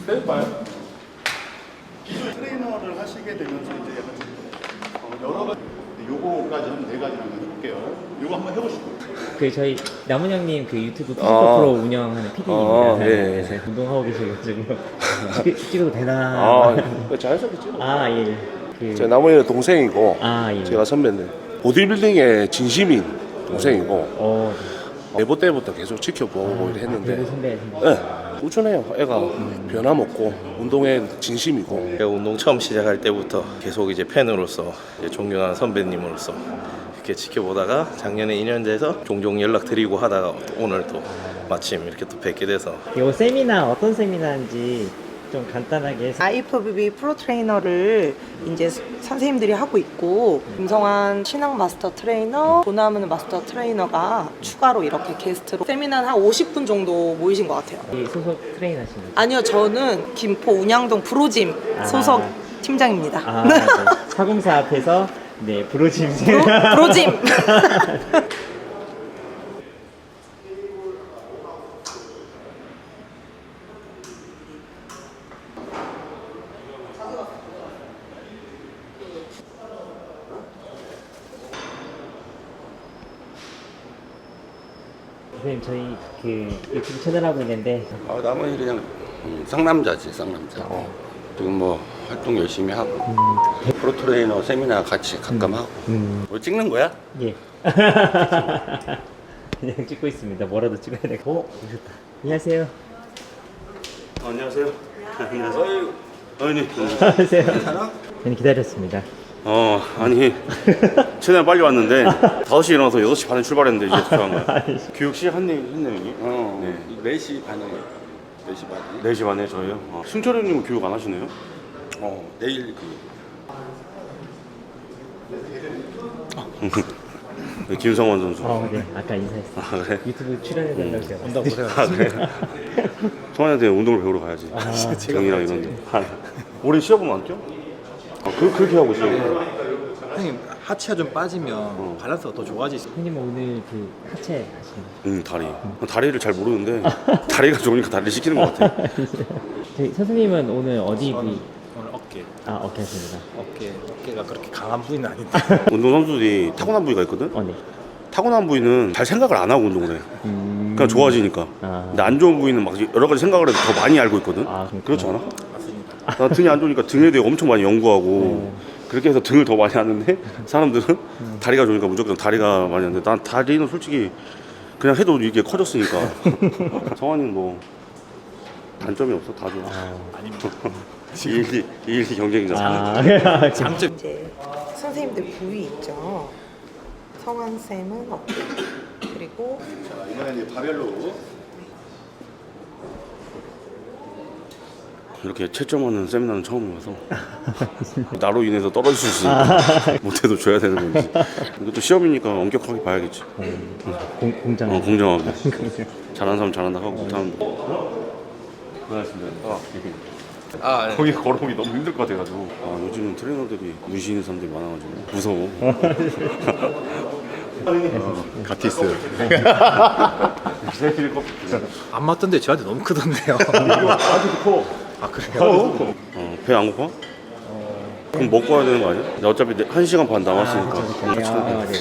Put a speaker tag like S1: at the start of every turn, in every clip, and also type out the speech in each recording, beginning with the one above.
S1: 빼봐요. 기존 트레이너를 하시게 되면서 이제 약간 여러 가지 요거까지 한 4가지 한번 해볼게요. 요거 한번 해보시고.
S2: 그 저희 남은 형님 그 유튜브 피지컬 프로 운영하는 PD입니다.
S3: 네.
S2: 네. 운동하고 계셔가지고 찍어도 되나?
S3: 자연스럽게 찍어.
S2: 아 예. 그...
S3: 제 나머지는 동생이고
S2: 예.
S3: 제가 선배인데 보디빌딩의 진심인 동생이고 내보 때부터 계속 지켜보고 했는데
S2: 선배.
S3: 네, 꾸준해요. 애가 변함없고 운동에 진심이고.
S4: 제가 운동 처음 시작할 때부터 계속 이제 팬으로서 이제 존경하는 선배님으로서 이렇게 지켜보다가 작년에 2년 돼서 종종 연락드리고 하다가 오늘 또 마침 이렇게 또 뵙게 돼서
S2: 이 세미나 어떤 세미나인지 좀 간단하게
S5: IFBB 프로 트레이너를 이제 선생님들이 하고 있고 김성환 신앙 마스터 트레이너, 보나무는 마스터 트레이너가 추가로 이렇게 게스트로 세미나는 한 50분 정도 모이신 것 같아요.
S2: 소속 트레이너신 거죠?
S5: 아니요, 저는 김포 운양동 프로짐 소속 팀장입니다.
S2: 네. 사공사 앞에서 네 프로짐
S5: 프로짐.
S2: 선생님 저희 그 유튜브 채널 하고 있는데
S6: 나머지 그냥 쌍남자지, 쌍남자. 지금 뭐 활동 열심히 하고 프로 트레이너 세미나 같이 가끔 하고. 뭐 찍는 거야?
S2: 예. 그냥 찍고 있습니다. 뭐라도 찍어야 되고. 오셨다. 안녕하세요.
S7: 안녕하세요. 안녕하세요. 아니,
S2: 안녕하세요. 저는 기다렸습니다.
S7: 아니, 최대한 빨리 왔는데 5시에 일어나서 6시 반에 출발했는데 이제 도착한 거야. 교육 시작했네요, 여기.
S6: 네. 4시 반에. 4시 반에.
S7: 4시 반에 저희요. 승철 형님은 교육 안 하시네요?
S6: 내일
S7: 네, 김성원 선수.
S2: 네. 아까 인사했어요.
S7: 아, 그래?
S2: 유튜브 출연해달라고 제가 온다고
S7: 아, 그래? 성환이한테 운동을 배우러 가야지. 정이랑 이런 데. 올해 시합은 안 뛰어? 그렇게 하고 있어.
S8: 형님 하체가 좀 빠지면 밸런스가 더 좋아지죠.
S2: 형님은 오늘 그 하체 하시는
S7: 다리. 다리를 잘 모르는데 다리가 좋으니까 다리를 시키는 것 같아.
S2: 저희 선생님은 오늘 어디 부위?
S8: 오늘 어깨.
S2: 어깨 하십니다.
S8: 어깨가 그렇게 강한 부위는 아닌데.
S7: 운동선수들이 타고난 부위가 있거든?
S2: 네.
S7: 타고난 부위는 잘 생각을 안 하고 운동을 해. 그냥 좋아지니까. 근데 안 좋은 부위는 막 여러 가지 생각을 해도 더 많이 알고 있거든? 그렇지 않아?
S8: 맞습니다.
S7: 나 등이 안 좋으니까 등에 대해 엄청 많이 연구하고 그렇게 해서 등을 더 많이 하는데 사람들은 다리가 좋으니까 무조건 다리가 많이 하는데 난 다리는 솔직히 그냥 해도 이게 커졌으니까. 성환이는 뭐 단점이 없어? 다 좋아.
S8: 아닙니다.
S7: 2-1 경쟁이잖아.
S8: 장점.
S5: 이제 선생님들 부위 있죠. 성환 쌤은 어깨. 그리고
S1: 이번에 이제 바벨로.
S7: 이렇게 채점하는 세미나는 처음 와서 나로 인해서 떨어질 수 있으니까 못해도 줘야 되는 건지. 이것도 시험이니까 엄격하게 봐야겠지.
S2: 공정.
S7: 공정하게. 잘하는 사람 잘한다 하고 못하는 고생하셨습니다.
S8: 네.
S7: 거기 걸어오기 너무 힘들 것 같아가지고. 요즘은 트레이너들이 무시 있는 사람들이 많아가지고 무서워.
S1: 가티스.
S8: 안 맞던데 저한테 너무 크던데요.
S7: 아직도 커.
S8: 아 그래요?
S7: 배 안 고파? 그럼 먹고 와야 되는 거 아니야? 나 어차피 1시간 반 남았으니까.
S2: 네.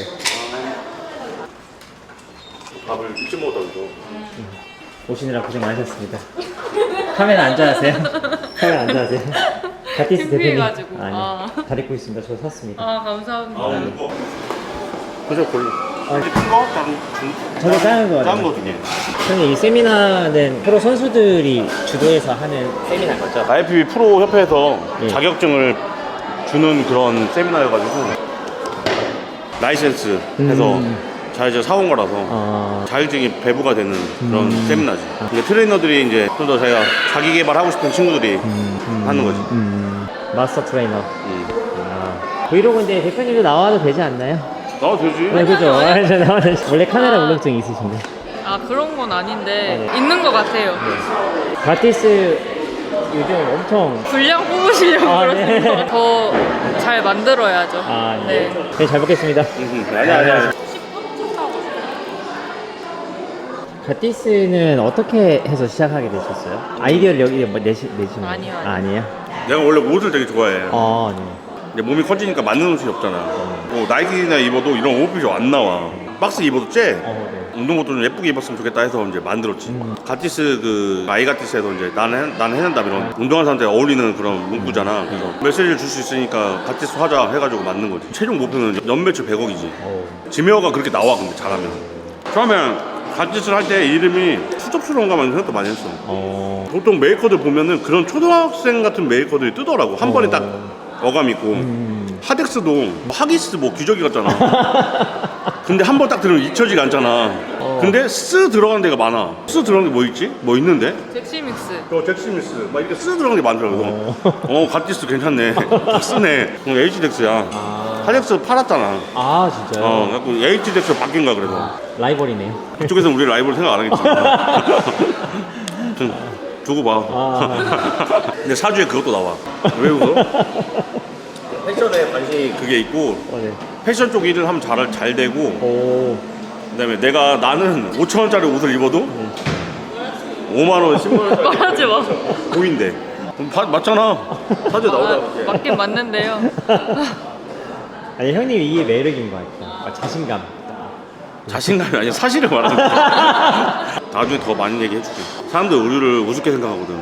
S7: 밥을 일찍 먹었다고.
S2: 오시느라 고생 많으셨습니다. 카메라 앉아하세요. 카메라 앉아하세요. 가티스 대표님.
S9: 창피해가지고.
S2: 잘 입고 있습니다. 저 샀습니다.
S9: 감사합니다.
S7: 그저 골라. 큰 거?
S2: 저도 작은 거.
S7: 작은 거 두 개.
S2: 형님 이 세미나는 프로 선수들이 주도해서 하는 세미나인 거죠?
S7: IFBB 프로 협회에서
S2: 예.
S7: 자격증을 주는 그런 세미나여가지고 라이센스 해서 자격증 사온 거라서 자격증이 배부가 되는 그런 세미나지. 근데 트레이너들이 이제 좀 더 자기가 자기 개발하고 싶은 친구들이 하는 거지.
S2: 마스터 트레이너. 브이로그인데 대표님도 나와도 되지 않나요?
S7: 나와도 되지.
S2: 네, 그죠. 원래 카메라 울렁증 있으신데.
S9: 그런 건 아닌데 있는 것 같아요.
S2: 가티스 요즘 엄청
S9: 분량 뽑으시려고
S2: 네.
S9: 그러는 거 더 잘 만들어야죠.
S2: 네. 네, 잘 먹겠습니다.
S7: 아니야.
S2: 가티스는 어떻게 해서 시작하게 되셨어요? 아이디어를 여기 뭐 내시는 거예요?
S9: 아니요, 아니요.
S2: 아, 아니에요?
S7: 내가 원래 옷을 되게 좋아해.
S2: 네.
S7: 이제 몸이 커지니까 맞는 옷이 없잖아. 뭐 나이키나 입어도 이런 옷핏이 안 나와. 박스 입어도 째.
S2: 네.
S7: 운동복도 좀 예쁘게 입었으면 좋겠다 해서 이제 만들었지. 가티스 그 아이가티스에서 이제 나는 해낸다 이런 운동하는 사람들이 어울리는 그런 문구잖아. 그래서 메시지를 줄 수 있으니까 가티스 하자 해가지고 만든 거지. 최종 목표는 연매출 100억이지. 지메어가 그렇게 나와 근데 잘하면. 처음에 가티스를 할 때 이름이 추접스러운가만 생각도 많이 했어. 보통 메이커들 보면은 그런 초등학생 같은 메이커들이 뜨더라고. 한 번에 딱 어감 있고. 하덱스도 하기스 뭐 기저귀 같잖아. 근데 한 번 딱 들으면 잊혀지가 않잖아. 근데 쓰 들어가는 데가 많아. 쓰 들어가는 게 뭐 있지? 뭐 있는데?
S9: 잭시믹스.
S7: 잭스미스 막 이렇게 쓰 들어가는 게 많더라고. 가티스 괜찮네. 쓰네. HDX야. 하덱스 팔았잖아.
S2: 아, 진짜요?
S7: 그래갖고 HDX로 바뀐 거야 그래서.
S2: 라이벌이네요.
S7: 그쪽에서 우리 라이벌 생각 안 하겠지. 좀 두고 봐. 근데 사주에 그것도 나와. 왜 웃어? 패션에 관심이 그게 있고
S2: 네.
S7: 패션 쪽 일을 하면 잘 되고 그다음에 나는 5,000원짜리 옷을 입어도 5만 원, 10만 원짜리
S9: 말하지 마.
S7: 보인대. 맞잖아. 사주에 나오잖아.
S9: 맞긴 맞는데요.
S2: 아니, 형님 이게 매력인 것 같아요. 자신감.
S7: 자신감이 아니라 사실을 말하는 거야. 나중에 더 많이 얘기해줄게. 사람들 우리를 우습게 생각하거든.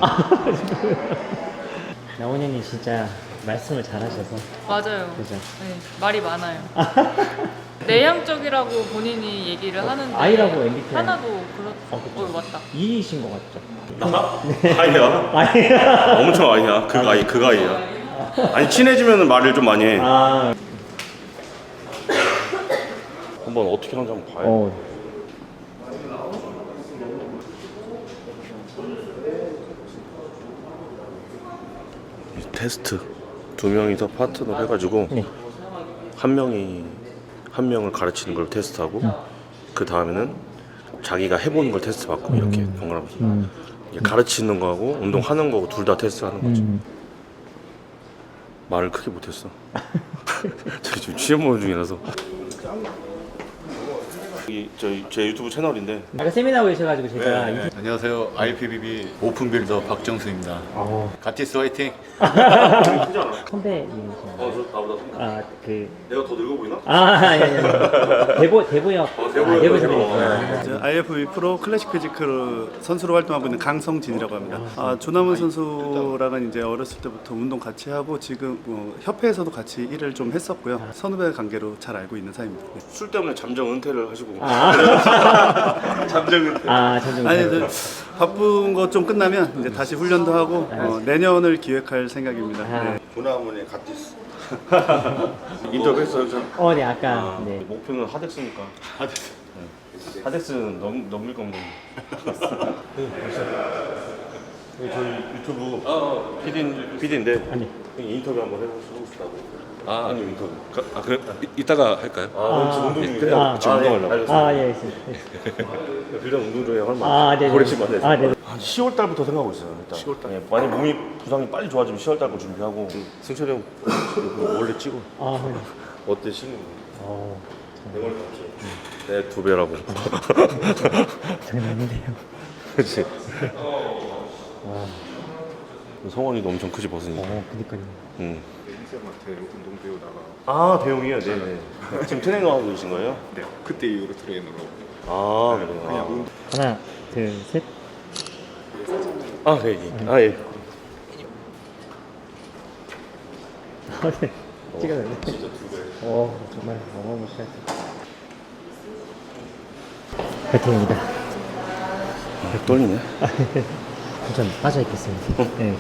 S2: 나원 형님 진짜 말씀을 잘하셔서.
S9: 맞아요.
S2: 그죠?
S9: 네, 말이 많아요. 내향적이라고 본인이 얘기를 하는데
S2: 아이라고 MBTI.
S9: 하나도
S2: 그쵸.
S9: 맞다.
S2: E이신 것 같죠?
S7: 나? 아이야.
S2: 아니야.
S7: 엄청 아이야. 그 아이야. 아니 친해지면 말을 좀 많이 해. 한번 어떻게 하는지 한번 봐요. 테스트 2명이서 파트너 해가지고
S2: 네.
S7: 한 명을 가르치는 걸 테스트하고 그 다음에는 자기가 해보는 걸 테스트 받고 이렇게 번갈아가면서 이게 가르치는 거하고 운동하는 거고 둘 다 테스트하는 거지. 말을 크게 못했어. 저기 지금 취업 모임 중이라서. 제 유튜브 채널인데
S2: 아까 세미나 오셔가지고 제가
S1: 안녕하세요. IPBB 오픈빌더 박정수입니다. 가티스 화이팅!
S2: 선배님이시나요?
S7: 나보다
S2: 아,
S7: 내가 더 늙어 보이나?
S2: 아니. 대보역. 대보 선배님.
S1: IFBB 프로 클래식 피지컬 선수로 활동하고 있는 강성진이라고 합니다. 조남은 선수랑은 이제 어렸을 때부터 운동 같이 하고 지금 협회에서도 같이 일을 좀 했었고요. 선후배 관계로 잘 알고 있는 사이입니다. 네.
S7: 술 때문에 잠정 은퇴를 하시고
S1: 잠정 은퇴. 아니, 바쁜 거 좀 끝나면 이제 다시 훈련도 하고 내년을 기획할 생각입니다. 네.
S6: 조나문의 가티스.
S7: 인터뷰 했어요?
S2: 네, 아까. 네.
S7: 목표는 하덱스니까. 하덱스는 넘길 겁니다. 저희 유튜브 PD인데
S2: 아니.
S7: 인터뷰 한번 해보고 싶다고. 형님 인터뷰.
S10: 그래 이따가 할까요?
S7: 지금 운동 중이에요?
S10: 지금 운동하려고.
S2: 예,
S7: 빌런 운동 중에 얼마?
S2: 네.
S7: 고래치면 안 돼.
S2: 네.
S7: 한 10월 달부터 생각하고 있어요. 일단. 10월 달. 만약 몸이 부상이 빨리 좋아지면 10월 달 거 준비하고. 승철이 형 원래 찍어.
S2: 네.
S7: 어때 신는 거? 내 머리 봤지? 내 2배라고.
S2: 장난 아닌데요.
S7: 그렇지. 성원이도 엄청 크지 버스니.
S2: 그니까요.
S1: 운동 배우다가
S7: 대용이요? 네네. 지금 트레이너 하고 계신 거예요?
S1: 네, 그때 이후로 트레이너로
S7: 그래요.
S2: 하나, 둘, 셋.
S7: 네. 예.
S2: 네. 찍어졌네. 진짜 2배. 정말 어마무시하죠. 파이팅입니다.
S7: 떨리네.
S2: 전 빠져있겠습니다. 네.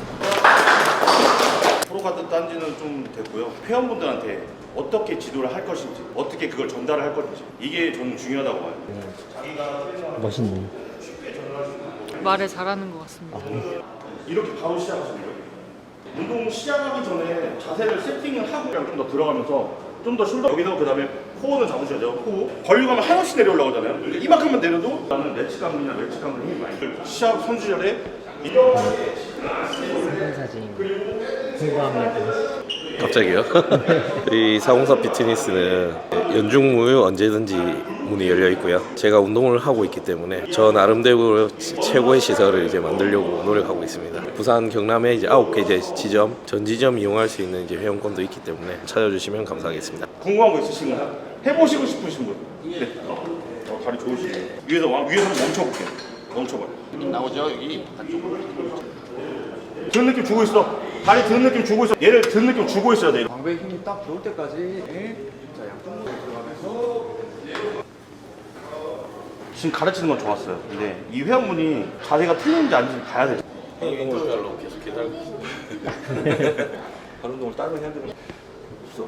S7: 프로카드 딴지는 좀 됐고요. 회원분들한테 어떻게 지도를 할 것인지, 어떻게 그걸 전달을 할 것인지 이게 저는 중요하다고 봐요.
S2: 멋있네요.
S9: 말을 잘하는 것 같습니다.
S7: 이렇게 바로 시작하시는 거예요? 운동 시작하기 전에 자세를 세팅을 하고 좀 더 들어가면서 좀 더 숄더 여기서 그 다음에 코어는 잡으셔야죠. 코어 벌리고 하면 한없이 내려올라오잖아요. 그러니까 이만큼만 내려도 나는 레치 강근이나 레치 강근 힘이 많이 들어요. 시합 선수 시절에
S2: 사진 궁금합니다.
S4: 갑자기요? 이 사공사 피트니스는 연중무휴 언제든지 문이 열려 있고요. 제가 운동을 하고 있기 때문에 저 나름대로 최고의 시설을 이제 만들려고 노력하고 있습니다. 부산 경남에 이제 9개 이제 지점, 전 지점 이용할 수 있는 이제 회원권도 있기 때문에 찾아주시면 감사하겠습니다.
S7: 궁금한 거 있으신가요? 해보시고 싶으신 분? 네. 다리 좋으시네요. 위에서 멈춰볼게요. 멈춰봐요.
S6: 나오죠 여기 바깥쪽으로.
S7: 드는 느낌 주고 있어. 다리 드는 느낌 주고 있어. 얘를 드는 느낌 주고 있어야 돼.
S8: 광배 힘이 딱 들어올 때까지. 자, 양쪽 들어가면서.
S7: 지금 가르치는 건 좋았어요. 근데 이 회원분이 자세가 틀린지 아닌지 봐야 돼.
S4: 인터뷰하려고 계속 기다리고 있습니다.
S8: 발 운동을 다른 해야 되는 없어.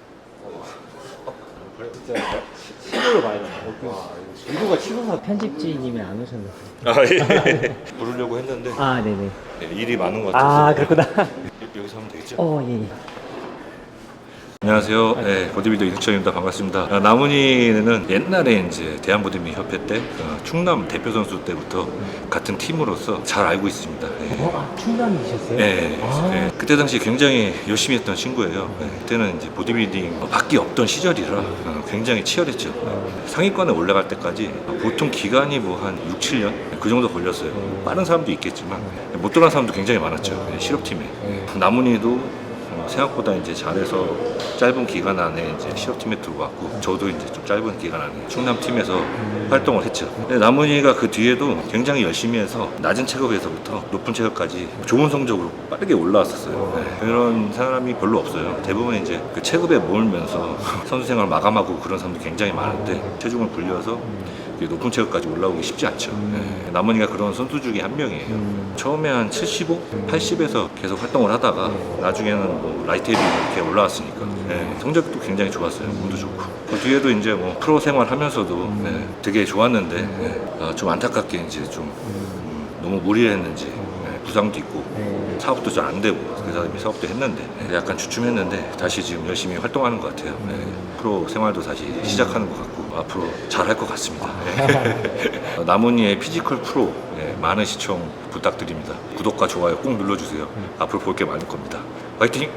S8: 진짜 시도를 많이 한다. 유도가 치솟아.
S2: 편집지님이 안 오셨는데.
S10: 아 예. 부르려고 했는데
S2: 아, 네네.
S10: 네, 일이 많은 것 같아서.
S2: 아, 그렇구나.
S10: 여기서 하면 되겠죠?
S2: 예, 예.
S10: 안녕하세요. 네, 보디빌더 이승철입니다. 반갑습니다. 나문이는 옛날에 이제 대한보디빌딩 협회 때 충남 대표 선수 때부터 같은 팀으로서 잘 알고 있습니다. 네.
S2: 충남이셨어요?
S10: 네,
S2: 아.
S10: 네. 그때 당시 굉장히 열심히 했던 친구예요. 네, 그때는 이제 보디빌딩 밖에 없던 시절이라 굉장히 치열했죠. 상위권에 올라갈 때까지 보통 기간이 뭐 한 6, 7년 그 정도 걸렸어요. 빠른 사람도 있겠지만 못 들어간 사람도 굉장히 많았죠. 네, 실업팀에. 나문이도 생각보다 이제 잘해서 짧은 기간 안에 이제 실업팀에 들어왔고 저도 이제 좀 짧은 기간 안에 충남팀에서 활동을 했죠. 근데 남은이가 그 뒤에도 굉장히 열심히 해서 낮은 체급에서부터 높은 체급까지 좋은 성적으로 빠르게 올라왔었어요. 네. 그런 사람이 별로 없어요. 대부분 이제 그 체급에 몰면서 선수 생활 마감하고 그런 사람도 굉장히 많은데 체중을 불려서 높은 체급까지 올라오기 쉽지 않죠. 네. 남은이가 그런 선수 중에 한 명이에요. 처음에 한 75, 80에서 계속 활동을 하다가 나중에는 뭐 라이트 헤비 이렇게 올라왔으니까 네. 성적도 굉장히 좋았어요. 운도 좋고. 그 뒤에도 이제 뭐 프로 생활하면서도 네. 되게 좋았는데 네. 좀 안타깝게 이제 좀 너무 무리했는지 네. 부상도 있고 사업도 잘 안 되고 그 사람이 사업도 했는데 네. 약간 주춤했는데 다시 지금 열심히 활동하는 것 같아요. 네. 프로 생활도 다시 시작하는 것 같고 앞으로 잘 할 것 같습니다. 네. 나문이의 피지컬 프로 네. 많은 시청 부탁드립니다. 구독과 좋아요 꼭 눌러주세요. 앞으로 볼 게 많을 겁니다. 화이팅!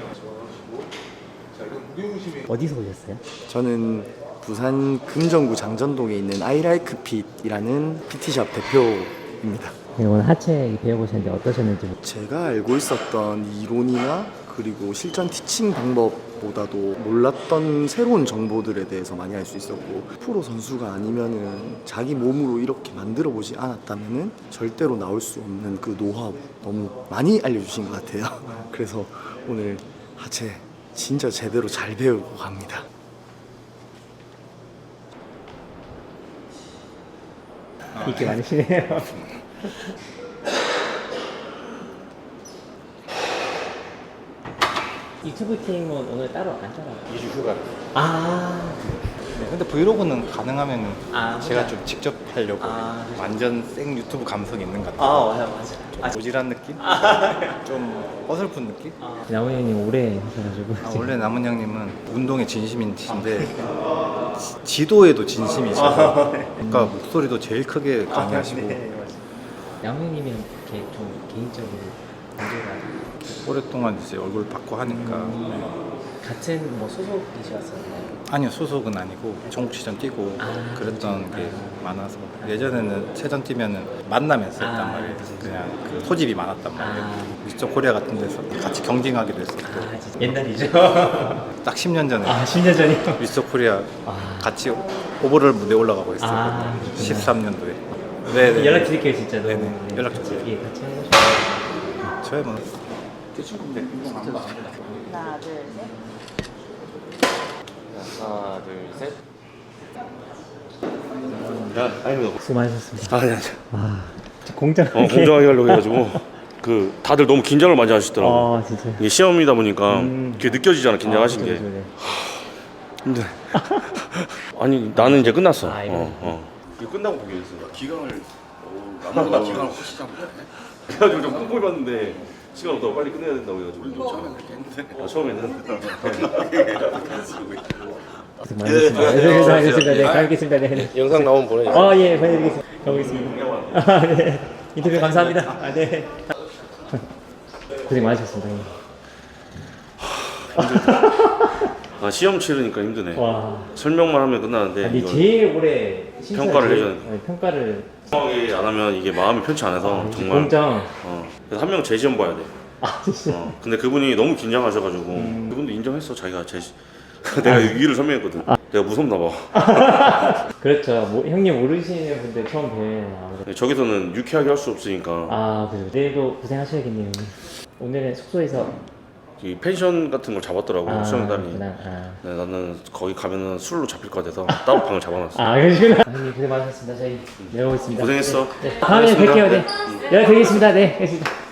S2: 어디서 오셨어요?
S11: 저는 부산 금정구 장전동에 있는 아이라이크 핏이라는 PT샵 대표입니다.
S2: 네, 오늘 하체 배워보셨는데 어떠셨는지.
S11: 제가 알고 있었던 이론이나 그리고 실전 티칭 방법보다도 몰랐던 새로운 정보들에 대해서 많이 알 수 있었고, 프로 선수가 아니면은 자기 몸으로 이렇게 만들어 보지 않았다면은 절대로 나올 수 없는 그 노하우 너무 많이 알려주신 것 같아요. 그래서 오늘 하체 진짜 제대로 잘 배우고 갑니다.
S2: 인기 많으시네요. 유튜브 팀은 오늘 따로 안 따라.
S8: 2주 휴가.
S2: 아,
S8: 네, 근데 브이로그는 가능하면 제가
S2: 혼자?
S8: 좀 직접 하려고. 완전 생 유튜브 감성 있는 것 같아요.
S2: 맞아.
S8: 좀 모질한 느낌? 좀 어설픈 느낌?
S2: 남은 형님 오래 하셔가지고.
S8: 원래 남은 형님은 운동에 진심이신데 지도에도 진심이셔서 그러니까 목소리도 제일 크게 강의하시고
S2: 남은 형님이 이렇게 좀 개인적으로 관계가
S8: 오랫동안 이제 얼굴 받고 하니까
S2: 같은 뭐 소속이셨었나요?
S8: 아니요, 소속은 아니고 전국시전 뛰고 그랬던 게 많아서 예전에는 체전 뛰면은 만나면서 했단 말이에요. 그냥 그 소집이 많았단 말이에요. 미스터 코리아 같은 데서 같이 경쟁하기도 했었고.
S2: 진짜 옛날이죠.
S8: 딱 10년 전에
S2: 10년 전이요?
S8: 미스터 코리아 같이 오버롤 무대 올라가고 했었거든요. 13년도에. 네,
S2: 연락 드릴게요 진짜.
S8: 네네. 연락 주세요.
S2: 예, 같이 하고 싶어요.
S8: 저희 뭐
S5: 하나, 둘, 셋.
S4: 하나, 둘, 셋.
S2: 수고 많으셨습니다.
S7: 아니.
S2: 공정하게.
S7: 공정하게 하려고 해가지고 그 다들 너무 긴장을 많이 하시더라고.
S2: 진짜.
S7: 이게 시험이다 보니까 그게 느껴지잖아, 긴장하신 게. 근데 아니 나는 이제 끝났어. 이거 끝나고 보게 됐어.
S6: 기강을 남보다 기강을 훨씬 잡네.
S7: 그래가지고 좀 꼼꼼히 봤는데 시간 없다고 빨리 끝내야 된다고 해가지고
S6: 처음에 그렇게 했는데.
S7: 처음에는
S2: 고생 많으셨습니다. 네, 알겠습니다. 네, 가겠습니다. 네.
S4: 영상 나오면 보내주세요.
S2: 예, 보내드리겠습니다. 가보겠습니다. 네. 인터뷰 감사합니다. 네. 고생 많으셨습니다.
S7: 아 시험 치르니까 힘드네.
S2: 와.
S7: 설명만 하면 끝나는데
S2: 아니
S7: 이건
S2: 제일 오래 심사
S7: 평가를
S2: 제일-
S7: 해줘야 돼.
S2: 네, 평가를.
S7: 정확하게 안 하면 이게 마음이 편치 않아서 정말.
S2: 공정.
S7: 그래서 한 명 제 시험 봐야 돼.
S2: 아 진짜.
S7: 근데 그분이 너무 긴장하셔가지고 그분도 인정했어. 자기가 제 내가 위를 설명했거든. 내가 무섭나 봐.
S2: 그렇죠. 뭐, 형님 모르시는 분들 처음 뵈면 아무래도.
S7: 저기서는 유쾌하게 할 수 없으니까
S2: 아 그죠. 내일도 고생하셔야겠네요. 형님. 오늘은 숙소에서.
S7: 이 펜션 같은 걸 잡았더라고 수영단이.
S2: 그렇구나.
S7: 네, 나는 거기 가면은 술로 잡힐 것 같아서 따로 방을 잡아놨어.
S2: 그러시구나. 형님 고생 많으셨습니다. 저희 내려오겠습니다.
S7: 고생했어.
S2: 네. 다음에
S7: 고생했습니다.
S2: 뵐게요. 네. 연락드리겠습니다. 네. 알겠습니다.